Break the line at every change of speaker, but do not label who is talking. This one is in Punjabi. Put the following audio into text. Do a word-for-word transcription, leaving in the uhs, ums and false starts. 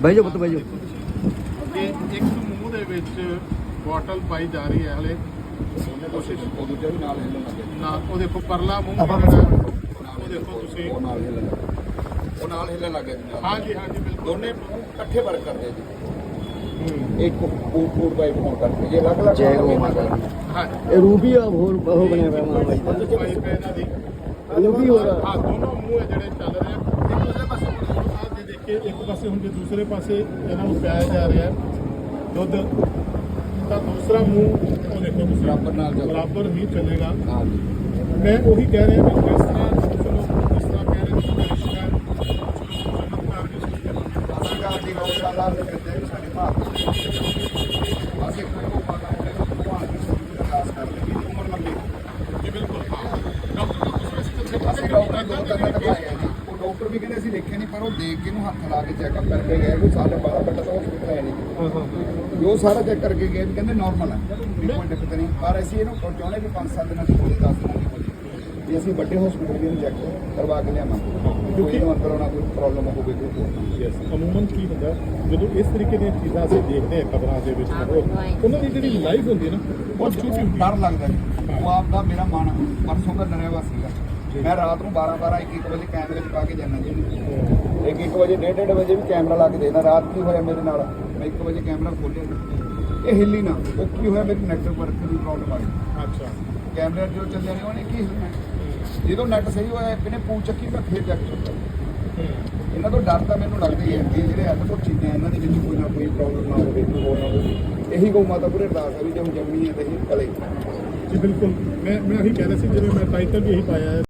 ਬਹਿ ਜਾਓ ਪੁੱਤ ਬਹਿ ਜਾਓ।
ਇਹ ਇੱਕ ਮੂੰਹ ਦੇ ਵਿੱਚ ਬੋਟਲ ਪਾਈ ਜਾ ਰਹੀ ਹੈ ਹਲੇ ਕੋਸ਼ਿਸ਼ ਨਾ ਉਹ ਦੇਖੋ ਪਰਲਾ ਮੂੰਹ ਜਿਹੜਾ ਉਹ ਦੇਖੋ ਤੁਸੀਂ
ਉਹ ਨਾਲ ਹਿੱਲਣ ਲੱਗੇ ਉਹ ਨਾਲ ਹਿੱਲਣ ਲੱਗੇ
ਹਾਂਜੀ ਹਾਂਜੀ ਬਿਲਕੁਲ
ਦੋਨੇ ਇਕੱਠੇ ਵਰਕ ਕਰਦੇ ਜੀ ਇੱਕ ਫੂਡ ਫੂਡ ਪਾਈਪ ਹੋਣ ਕਰਕੇ ਜੇ ਅਲੱਗ ਅਲੱਗ
ਜੈ ਗੋ ਮਾਤਾ
ਹਾਂ
ਇਹ ਰੂਬੀ ਆ ਹੋਰ ਉਹ ਬਣਿਆ ਹੋਇਆ ਮਾਂ ਬਾਈ ਦਾ
ਪਾਈਪ ਹੈ ਇਹਨਾਂ ਦੀ
ਰੂਬੀ ਹੋ ਰਿਹਾ
ਹਾਂ ਦੋਨੋਂ ਮੂੰਹ ਹੈ ਜਿਹੜੇ ਚੱਲ ਰਹੇ ਆ ਇੱਕ ਦੂਸਰੇ ਪਾਸੇ ਆਹ ਜੇ ਦੇਖੇ ਇੱਕ ਪਾਸੇ ਹੁਣ ਜੇ ਦੂਸਰੇ ਪਾਸੇ ਇਹਨਾਂ ਨੂੰ ਪਿਆਇਆ ਜਾ ਰਿਹਾ ਹੈ ਦੁੱਧ ਤਾਂ ਦੂਸਰਾ ਮੂੰਹ ਉਹ ਦੇਖੋ ਤੁਸੀਂ
ਬਰਾਬਰ ਨਾਲ ਚੱਲ
ਬਰਾਬਰ ਹੀ ਚੱਲੇਗਾ
ਹਾਂ ਜੀ
ਮੈਂ ਉਹੀ ਕਹਿ ਰਿਹਾ ਵੀ ਜਿਸ ਤਰ੍ਹਾਂ ਚਲੋ ਜਿਸ ਤਰ੍ਹਾਂ ਕਹਿ ਰਹੇ ਤੁਸੀਂ ਰਿਸ਼ਤਾ ਚਮਤਕਾਰ ਦੀ ਚੀਜ਼ ਹੈ
ਸਰਕਾਰ ਦੀ ਗੌਸ਼ਾਲਾ ਦੇ ਵਿੱਚ ਸਾਡੇ ਭਾਰਤ ਅਸੀਂ ਕੋਈ ਪਤਾ ਨਹੀਂ ਭਗਵਾਨ ਦੀ ਵਿਕਾਸ ਕਰ ਲਈ ਉਮਰ ਲੰਬੀ
ਜੀ ਬਿਲਕੁਲ ਹਾਂ ਡਾਕਟਰ ਨੂੰ ਤੁਸੀਂ
ਅਸੀਂ ਡਾਕਟਰ ਦੋ ਤਿੰਨ ਦਿਖਾਏ ਜੀ ਉਹ ਡਾਕਟਰ ਵੀ ਕਹਿੰਦੇ ਅਸੀਂ ਦੇਖੇ ਨਹੀਂ ਪਰ ਉਹ ਦੇਖ ਕੇ ਨੂੰ ਹੱਥ ਲਾ ਕੇ ਚੈੱਕਅਪ ਕਰਕੇ ਗਏ ਕੋਈ ਸਾਡੇ ਬਾਰਾਂ ਘੰਟੇ ਤੋਂ ਹਸਪੀਟਲ ਹੈ ਨਹੀਂ
ਹਾਂ ਹਾਂ
ਜੋ ਸਾਰਾ ਚੈੱਕ ਕਰਕੇ ਗਏ ਵੀ ਕਹਿੰਦੇ ਨਾਰਮਲ ਹੈ ਵੀ ਕੋਈ ਦਿੱਕਤ ਨਹੀਂ ਪਰ ਅਸੀਂ ਇਹਨੂੰ ਚਾਹੁੰਦੇ ਵੀ ਪੰਜ ਸੱਤ ਦਿਨਾਂ ਦੀ ਹੋਵੇ ਦਸ ਦਿਨਾਂ ਦੀ ਹੋਵੇ ਵੀ ਅਸੀਂ ਵੱਡੇ ਹਸਪੀਟਲ ਵੀ ਇਹਨੂੰ ਚੈੱਕ ਕਰਵਾ ਕੇ ਲਿਆਵਾਂਗੇ ਕਿਉਂਕਿ ਇਹਨੂੰ ਅੰਦਰ ਆਉਣਾ ਕੋਈ ਪ੍ਰੋਬਲਮ ਹੋਵੇ ਕੋਈ ਹੋਰ
ਯੈਸ ਅਮੂਮਨ ਕੀ ਹੁੰਦਾ ਜਦੋਂ ਇਸ ਤਰੀਕੇ ਦੀਆਂ ਚੀਜ਼ਾਂ ਅਸੀਂ ਦੇਖਦੇ ਹਾਂ ਖਬਰਾਂ ਦੇ ਵਿੱਚ ਉਹਨਾਂ ਦੀ ਜਿਹੜੀ ਲਾਈਫ ਹੁੰਦੀ ਹੈ ਨਾ ਬਹੁਤ ਛੋਟੀ ਹੁੰਦੀ ਹੈ
ਡਰ ਲੱਗਦਾ ਜੀ ਉਹ ਆਪ ਦਾ ਮੇਰਾ ਮਨ ਪਰਸੋਂ ਦਾ ਡਰਿਆ ਵਾ ਸੀਗਾ ਮੈਂ ਰਾਤ ਨੂੰ ਬਾਰਾਂ ਬਾਰਾਂ ਇੱਕ ਇੱਕ ਵਜੇ ਕੈਮਰੇ 'ਚ ਪਾ ਕੇ ਜਾਂਦਾ ਜੀ ਇੱਕ ਇੱਕ ਵਜੇ ਡੇਢ ਡੇਢ ਵਜੇ ਵੀ ਕੈਮਰਾ ਲਾ ਕੇ ਦੇਣਾ ਰਾਤ ਕੀ ਹੋਇਆ ਮੇਰੇ ਨਾਲ ਮੈਂ ਇੱਕ ਵਜੇ ਕੈਮਰਾ ਖੋਲ੍ਹਿਆ ਇਹ ਹਿੱਲੀ ਨਾ ਉਹ ਕੀ ਹੋਇਆ ਮੇਰੀ ਨੈਟਵਰਕ ਵਰਕ ਦੀ ਪ੍ਰੋਬਲਮ ਆ ਗਈ
ਅੱਛਾ
ਕੈਮਰਾ ਜੋ ਚੱਲਿਆ ਨਹੀਂ ਉਹਨੇ ਕੀ ਹਿੱਲਣਾ ਜਦੋਂ ਨੈਟ ਸਹੀ ਹੋਇਆ ਇਹਨੇ ਪੂ ਚੱਕੀ ਮੈਂ ਫੇਰ ਚੱਕ ਚੁੱਕਾ ਇਹਨਾਂ ਤੋਂ ਡਰ ਤਾਂ ਮੈਨੂੰ ਲੱਗਦਾ ਹੀ ਹੈ ਕਿ ਜਿਹੜੇ ਅਦਭੁਤ ਚੀਜ਼ਾਂ ਇਹਨਾਂ ਦੇ ਵਿੱਚ ਕੋਈ ਨਾ ਕੋਈ ਪ੍ਰੋਬਲਮ ਨਾ ਹੋਵੇ ਕੋਈ ਹੋਰ ਨਾ ਹੋਵੇ ਇਹੀ ਗਊ ਮਾਤਾ ਪੂਰੇ ਅਰਦਾਸ ਹੈ ਵੀ ਜੇ ਹੁਣ ਜੰਮੀ ਹੈ ਤਾਂ ਇਹ ਕਲੇ
ਜੀ ਬਿਲਕੁਲ ਮੈਂ ਮੈਂ ਇਹੀ ਕਹਿ ਰਿਹਾ ਸੀ ਜਿਵੇਂ ਮੈਂ ਟਾਈਟਲ ਵੀ ਇਹੀ ਪਾਇਆ ਹੈ